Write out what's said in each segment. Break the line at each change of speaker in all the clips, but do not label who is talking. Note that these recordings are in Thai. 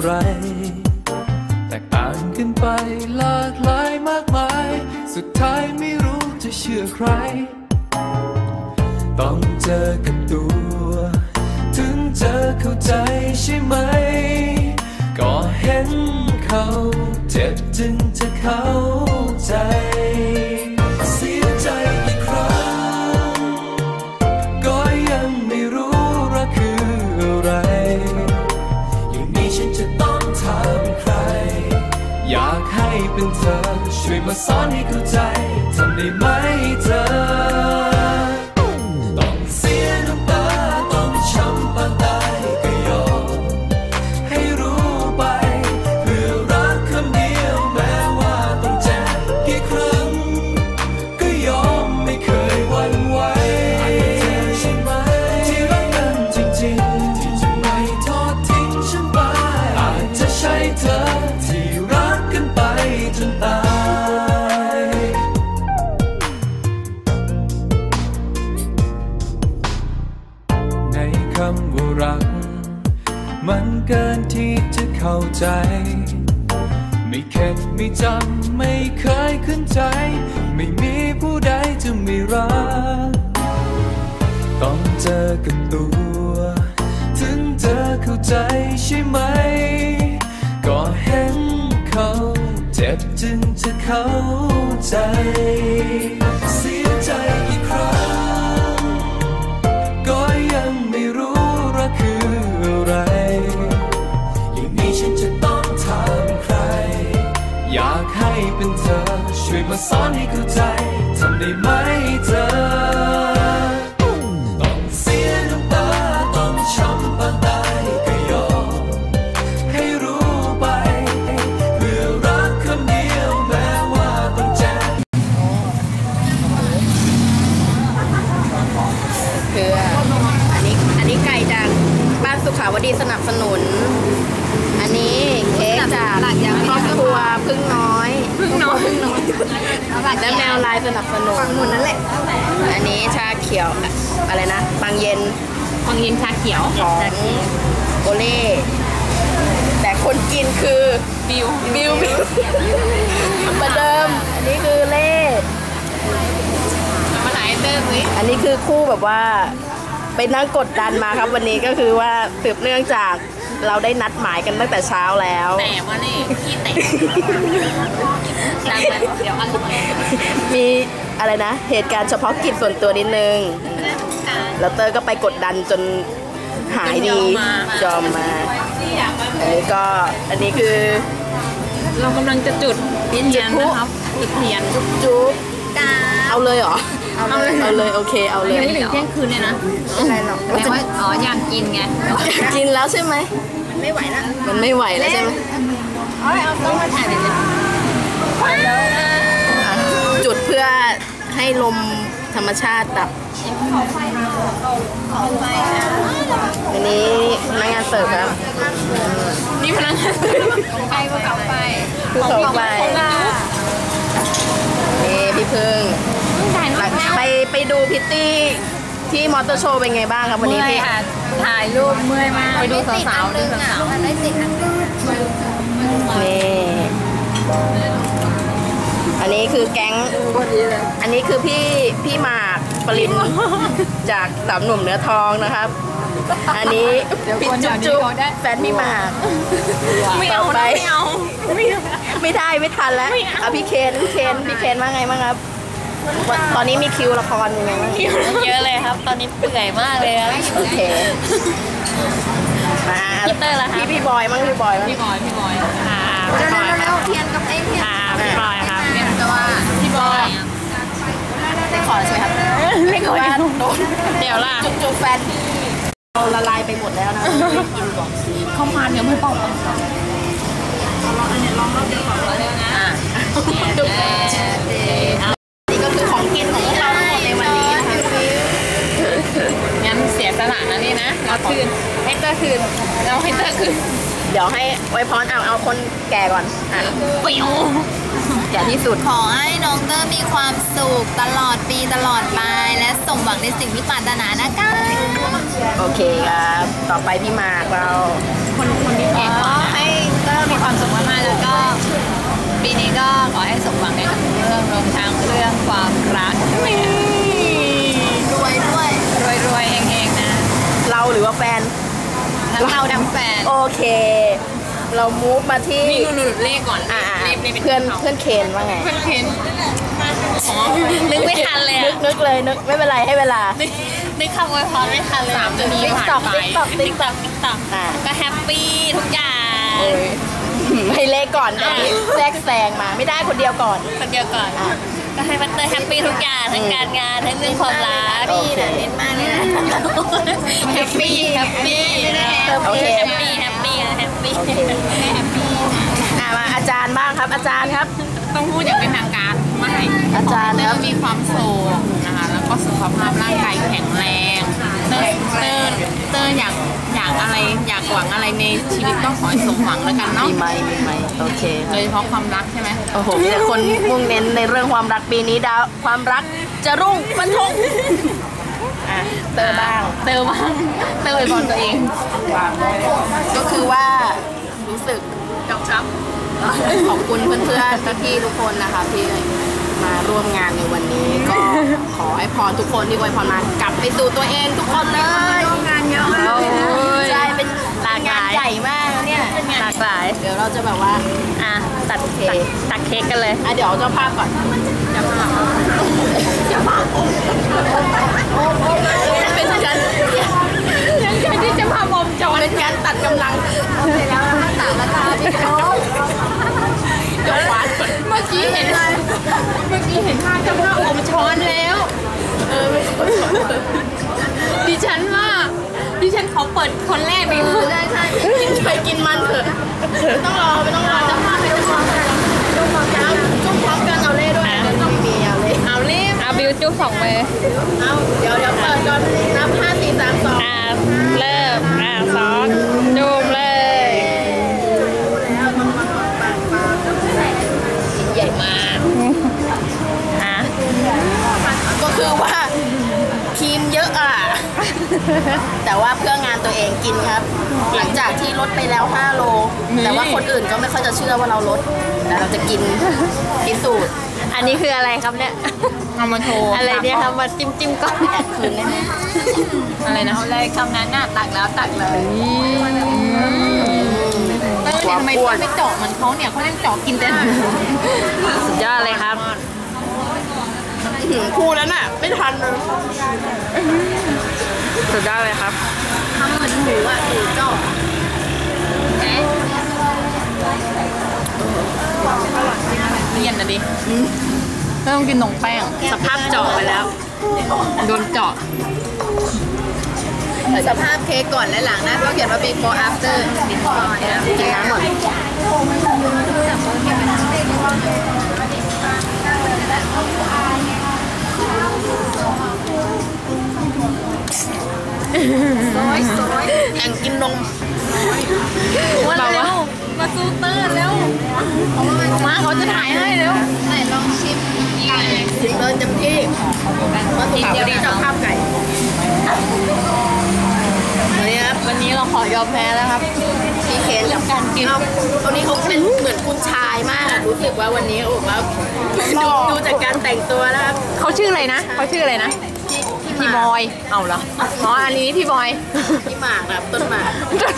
อะไรแตกต่างกันไปหลากหลายมากมายสุดท้ายไม่รู้จะเชื่อใครต้องเจอกับตัวถึงจะเข้าใจใช่ไหมก็เห็นเขาเจ็บจึงจะเข้าใจเสียใจกี่ครั้งก็ยังไม่รู้รักคืออะไรอย่างนี้ฉันจะต้องถามใครอยากให้เป็นเธอช่วยมาสอนให้เข้าใจทำได้ไหมเธอต้องเสียน้ำตาต้องช้ำปานตายก็ยอมให้รู้ไปเพื่อรักคำเดียวแม้ว่าต้องเจ็บกี่ครั้งก็ยอมไม่เคยหวั่นไหวใช่ไหมที่รักกันจริงๆที่จะไม่ทอดทิ้งฉันไปอาจจะใช่เธอที่รักกันไปจนตายในคำว่ารักมันเกินที่จะเข้าใจไม่เข็ดไม่จำไม่เคยขึ้นใจไม่มีผู้ใดจะไม่รักต้องเจอกับตัวถึงจะเข้าใจใช่ไหมก็เห็นเขาเจ็บจึงจะเข้าใจเสียใจกี่ครั้งก็ยังไม่รู้รักคืออะไรอย่างนี้ฉันจะต้องถามใครอยากให้เป็นเธอช่วยมาสอนให้เข้าใจทำได้ไหมเธอต้องเสียน้ำตาต้องช้ำปานตายก็ยอมให้รู้ไปเพื่อรักคำเดียวแม้ว่าต้องเจ็บ
คืออันนี้ไก่จากบ้านสุขาวดีสนับสนุนอันนี้เค้กจากครอบครัวพึ่งน้อยและแมวลายสนับสนุนหมดนั่นแหละอันนี้ชาเขียวอะไรนะบางเย็นชาเขียวของโอเล่แต่คนกินคือบิวประเดิมอันนี้คือเล่มาไหนเติมสิอันนี้คือคู่แบบว่าไปนั่งกดดันมาครับวันนี้ก็คือว่าสืบเนื่องจากเราได้นัดหมายกันตั้งแต่เช้าแล้วแต่ว่านี่ขี้เตะเดี๋ยวมีอะไรนะเหตุการณ์เฉพาะกิจส่วนตัวนิดนึงแล้วเตอร์ก็ไปกดดันจนหายดียอมมาอันนี้คือ
เรากำลังจะจุดเทียนนะครับจุดเทียน
จุ๊บเอาเลยเหรอเอาเลยโอเคเอาเลย
ยังไม่ถึงเที่ยงคืนเลยนะ
อะไรหรอก
แต่ว่าอยากกินไง
กินแล้วใช่ไหมมันไม่ไหวแล้วใช่ไหม
เอาต้องมาถ่ายเลย
จุดเพื่อให้ลมธรรมชาติดับอันนี้พนักงานเสิร์ฟครับ
นี่พนักงานเสิร์ฟไปก็กลับไป
นี่พี่พึ่งไปดูพิตตี้ที่มอเตอร์โชว์เป็นไงบ้างครับวันนี้พี่
ถ่ายรูปเมื่อยมากไปดูสาวๆ
นี่อันนี้คือแก๊งอันนี้คือพี่หมากปรินจากสามหนุ่มเนื้อทองนะครับอันนี้พี่จุ๊บแฟนพี่หมากต่อไปไม่ทันแล้วพี่เคนว่าไงบ้างครับตอนนี้มีคิวละครยังไงบ้าง
เยอะเลยครับตอนนี้เปื่อยมากเลย
โอเคมาพี่บอยมั้งพี่บอย
แล้วเทียนกับไอ้เทียนพี่บอยครับแต่ว่าพี่บอย
ได้ขอใช่ไหมครับ
ไม่ขอเดี๋ยวล่ะ
จุ๊บแฟนเราละลายไปหมดแล้วนะกินก่อน
เข้ามาเดี๋ยวไม่เป่าลองอันนี้ลองรอบเดียวก่อนเลยนะ
จุ๊บนี่ก็คือของกินของเราในวันนี้นะคะ
งั้นเสียสละนะนี่นะเอาคืนให้เตอร์คืน
เดี๋ยวให้ไว้พรเอาคนแก่ก่อน
ปิว
แก่ที่สุด
ขอให้น้องเตอร์มีความสุขตลอดปีตลอดไปและสมหวังในสิ่งที่ปรารถนานะคะ
โอเคครับต่อไปพี่มากเรา
คนที่แก่
ให้
แฟน
ทั้งเราทั้งแฟน
โอเค เรามูฟมาที่
นี่หนูเลขก่อน
อ่า
เลขเป็น
เพื่อนเคนว่าไง
เพื่อนเคนอ๋อนึกไม่ทันเลย
นึกเลยนึกไม่เป็นไรให้เวลา
นึกคำอวยพรไม่ทันเลย3 นาทีผ่านไป
TikTok
ติ๊กต็อก
อ่า
ก็แฮปปี้ทุกอย่าง
ให้เลขก่อนอันนี้แทรกแซงมาไม่ได้คนเดียวก่อน
คนเดียวก่อน ก็ให้พัตเตอร์แฮปปี้ทุกอย่างทั้งการงานทั้งเรื่องความรัก
โอเค
เน้นมากเลยนะ
แฮปปี้แฮปปี้
โอเค
แฮปปี้แฮปปี้แฮปปี้
มาอาจารย์บ้างครับ อาจารย์ครับ
ต้องพูดอย่างเป็นทางการไม่
อาจารย์
เต
ค
อ
รับ
ร์มีความสุขนะคะแล้วก็สุขภาพร่างกายแข็งแรงเตอร์อยากอะไรอยากหวังอะไรในชีวิตก็ขอให้สมหวังแล้วกันเนาะ
มีไหมโอเคค
โด
รับ
ยเฉพาะความรักใช่ไหม
โอ้โหมีแต่คนมุ่งเน้นในเรื่องความรักปีนี้ดาวความรักจะรุ่งฟันธงเตอร์บ้าง
เตอร์บ้างเตอร์อวยพรตัวเอง
ก็คือว่ารู้สึกขอบคุณเพื่อนๆพี่ๆทุกคนนะคะที่มาร่วมงานในวันนี้ก็ขอให้พรทุกคนที่อวยพรมากลับไปสู่ตัวเองทุกคนเลยงานเยอะมากใช่เป็นงานใหญ่มากเนี่ย
หลากหลาย
เดี๋ยวเราจะแบบว่า
ตัดเค้กกันเลย
เดี๋ยวเจ้าภาพก่อนเจ้าภาพเป็นการที่จะพาบอมจอนเป็นการตัดกำลังเสร็จแล้วตัดราคาพี่โจ๊กเดี๋ยววัด
เมื่อกี้เห็นภาพเจ้าภาพอมช้อนแล้วดิฉันขอเปิดคนแรกเลย
ใช่กินไปกินมันเถอะไม่ต้องรอเจ้าภาพไม่ต้องรอจุ่มพร้อมกันเอาเล่ด้วยไม่มีเอาเล่
เอาเล่มเอาบิวจุ๊บ2 มือ
เอาเดี๋ยวเปิดก่อนนับ5 4 3 2
เริ่ม2จุ่มเลย
ใหญ่มากก็คือว่าทีมเยอะแต่ว่าเพื่องานตัวเองกินครับ หลังจากที่ลดไปแล้ว5 โลแต่ว่าคนอื่นก็ไม่ค่อยจะเชื่อว่าเราลดแต่เราจะกินพิสูจน์
อันนี้คืออะไรครับเนี่ยเอามาโชว์อะไรเนี่ยครับมาจิ้มก่อน
แอบคืนได้ไหม
อะไรนะเอาเลยคำนั้นน่ะตักแล้วตักเลยทำไมไม่เจาะเหมือนเขาเนี่ยเขาเล่นเจาะกินแต่สุดยอดเลยครับ
คู่นั้นน่ะไม่ทันเลย
สุดยอดเลยครับ
ทำเหมือนหมูหมูเจาะ
เลี่ยนนะดิไม่ต้องกินนมแป้งสภาพเจาะไปแล้วโดนเจาะ
สภาพเค้กก่อนและหลังนะก็เขียนว่า before after กินน้ำหมดแข่งกินนม
มาเร็วมาซูเตอร์แล้วมาเขาจะถ่ายให้เร็ว
ไหนลองชิมไก่
ถึงเดินเต็มที่มาสุขาวันนี้เจ้าภาพไก่วันนี้ครับ
วันนี้เราขอยอมแพ้แล้วครับ
พี่เคนกับ
การกิน
วันนี้เขาเป็นเหมือนคุณชายมากรู้สึกว่าวันนี้โอ้โหดูจากการแต่งตัวแล้วครับ
เขาชื่ออะไรนะเขาชื่ออะไรนะพี่บอยเอาเหรออ๋ออันนี้พี่บอย
พี่หมากครับต้นหมาก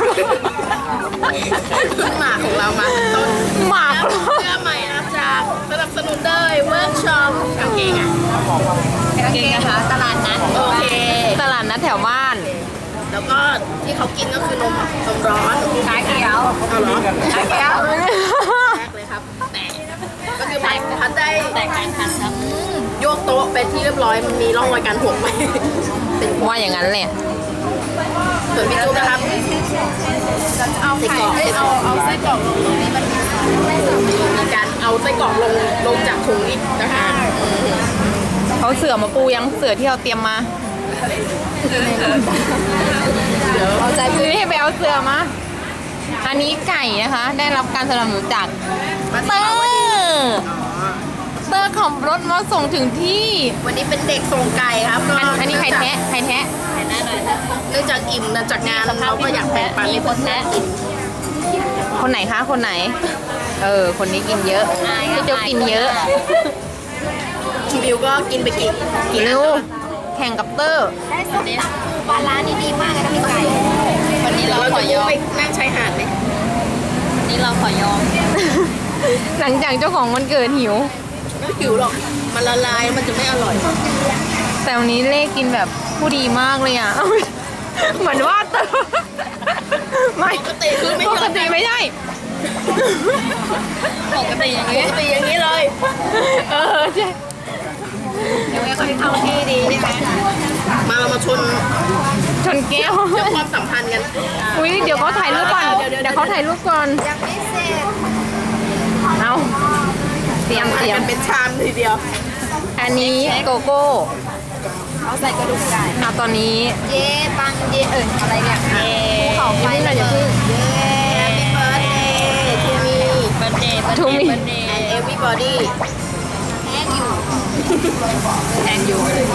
ต้นหมากของเรามาต้น
หมาก
เสื้อใหม่นะจากสนับสนุนด้วยเวิร์กช็อปกางเกงอ่ะ
กางเกงนะคะตลาดนัด
โอเค
ตลาดนัดแถวบ้าน
แล้วก็ที่เขากินก็คือนมร้อน
ชาเขียว
เอาเหรอ
ชาเขียว
แรกเลยครับแต่ก็คือพัดได้
แต่การทันครับ
โยกโต๊ะเป็นที่เรียบร้อยมันมีร่องรอยการหกไหมเป็น
ว่าอย่างนั้นเลย
ส่วนพี่จุ๊บนะครับเอาไข่เอาไส้กรอกลงตรงนี้มันมีการเอาไส้กรอกลงจากถุงอีกนะคะ
เขาเสือมาปูยังเสือที่เราเตรียมมา
เดี๋ยวเอาใจ
นี่ไปเอาเสือมาอันนี้ไก่นะคะ ได้รับการสนับสนุนจากเตอร์ขับรถมาส่งถึงที่
วันนี้เป็นเด็กส่งไก่ครับก็
อันนี้ใครแท้ใครแท้
เนื่องจากอิ่มมาจากงานเราก็อยากแบ่งปันให้เพื่อนๆกิน
คนไหนคะคนไหน คนนี้กินเยอะพี่โจกินเยอะ
บิวก็กินไปกี่
เร็วแข่งกับเตอร์
ได้ส้มตำปูปลาร้านี่ดีมากเลยนะพี่ไก่นี่เราขอยอม
ไปนั่งชายหาดไหม
นี่เราขอยอม
หลังจากเจ้าของวันเกิดหิว
ไม่หิวหรอก มันละลายมันจะไม่อร่อย
แต่วันนี้เลขกินแบบผู้ดีมากเลยอ่ะ เหมือนว่าเติมไม่
ปกติคือไม่
ป
ยอม
กติไม่ใช่
ปกติอย่างนี้
ปกติอย่างนี้เลย
เออใช่
เดี๋ยวไม่ค่อยเข้าที่ดีใช่ไหม
มาเรามาชน
ชนแก้ว
เรื่องความสัมพันธ์กัน
อุ้ยเดี๋ยวเขาถ่ายรูปก่อน
เดี๋ยว
เดี๋ยวเขาถ่ายรูปก่อน
ยังไม่เสร็จ
เอาเตรียม
กันเป็นชามทีเดียว
อันนี้โกโก้
เอาใส่กระดูกไก่
เอาตอนนี้
เย่ปังเย่อะไรเนี่ยเย่ภูเขาไฟ
อย่าเพิ่ง
เย่
Happy birthday to me
ทูมี
and everybody
แห้งอยู่
แอนยู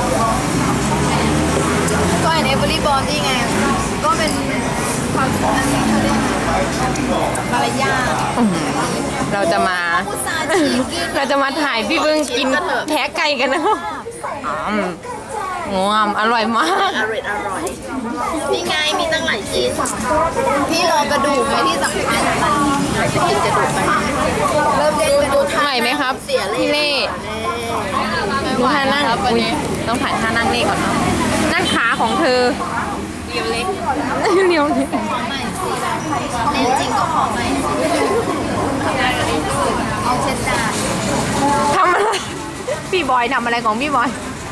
ก็เห็นเอเวอรี่บอลนี่ไง ก็เป็นความอันนี้เขาเรียกมารยาท
เราจะมา
ผู้สาห์ฉีกกิน
เราจะมาถ่ายพี่เบิ้งกินแท้ไก่กันนะงามอร่อยมาก
อร่อยอร่อยนี่ไงมีตั้งหลายชิ้น
พี่รอกระดูกไหมที่สำคัญ
เราจะกินกระดูกไป
เริ่มเล่นกระดูก
ไหวไหมครับ
เสียเลย
พี่เล่ดูท่านั่งอุ๊ยต้องถ่ายท่านั่งเล่ก่อนเนาะนั่นขาของเธอ
เรียวเล็ก
เรียวนี่
ขอใหม่สิเล่นจริงก็ขอใหม่สิเอาเช็ดจาน
ทำอะไรพี่บอยทำอะไรของพี่บอย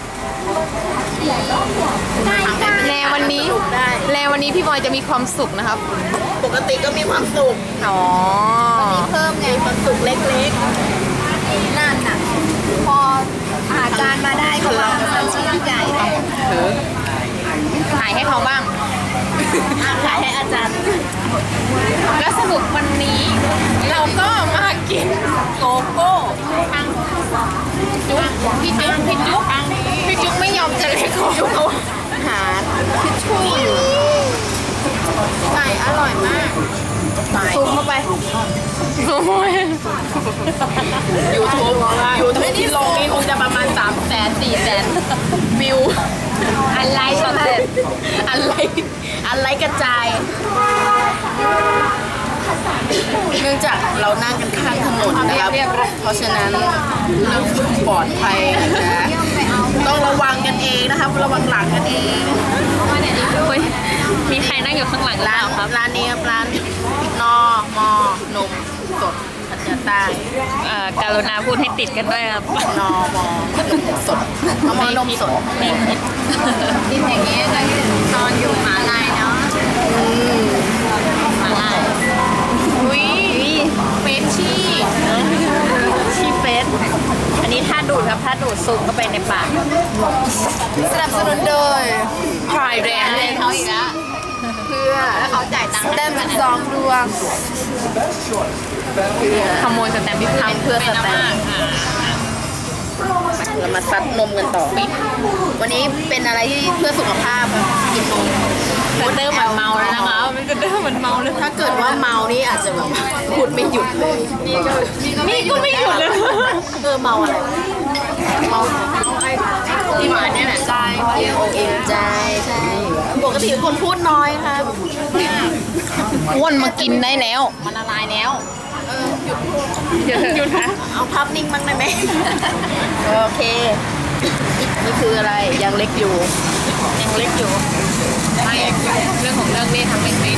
แลวันนี้
ได้
แลวันนี้พี่บอยจะมีความสุขนะครับ
ปกติก็มีความสุข
อ๋อ
เพิ่มไง
ความสุขเล็ก
นั่นน่ะ พออาจารย์มาได้ก็มาเป็นชิ้นใหญ่เลย
ถือถ่ายให้เขาบ้าง
ๆขายให้อาจารย์
และสรุปวันนี้เราก็มากินโกโก้จุ๊บพี่จุ๊บพี่จุ๊บไม่ยอมจะเล็กของจุ๊บ
หาทิชชู่อยู่
ไก่อร่อยมาก
ซูมเข้าไปซูม
ยูทูบที่ลงนี้คงจะประมาณ300,000-400,000วิว
อะไรสำเร็จ
อะไรกระจาย เนื่องจากเรานั่งกันข้างถนนนะครับ เพราะฉะนั้นเรื่องปลอดภัยนะต้องระวังกันเองนะครับ ระวังหลังกันเอง
เฮ้ยมีใครนั่งอยู่ข้างหลัง
ร้าน
เราครับ
ร้านนี้ครับร้านนอมอนมสดพัทยาใต้
การุณาพูดให้ติดกันด้วยครับ
นอมอนมสดนอมอนมสด
กินอย่างนี้จะนอนอยู่หมาลายเนาะ
มาล่าอุ้ยเฟชชี่
ชีเฟสอันนี้ถ้าดูดครับถ้าดูดซุปเข้าไปในปาก
สนับสนุนโดย
พรายแดง
เล่นเขาอีกแล้ว
เพื่อ
แล้วเขาจ่ายตังค์ได้มา2 ดวง
ขโมยสแตมป์พี่ทำ
เพื่อสแตนเรามาซัดนมกันต่อ วันนี้เป็นอะไรที่เพื่อสุขภาพครับกินนม
สเตอร์เหมือนเมาแล้วนะคะมันสเตอร์เหมือนเมาเลย
ถ้าเกิดว่าเมานี่อาจจะแบบพูดไม่หยุดเลย
นี่ก็ไม่หยุดเลย
เมาอะไรเมาที่หวานเนี่ยแหละใจเอ็นใจใช่ปกติเป็นคนพูดน้อยครับ
อ้วนมากินได้แล้ว มันละลายแล้วหยุดนะ
เอาภาพนิ่งบ้างได้ไหมโอเค นี่คืออะไรยังเล็กอยู่
ยังเล็กอยู่ไม่เรื่องของเรื่องนี่ทำเป็นไหม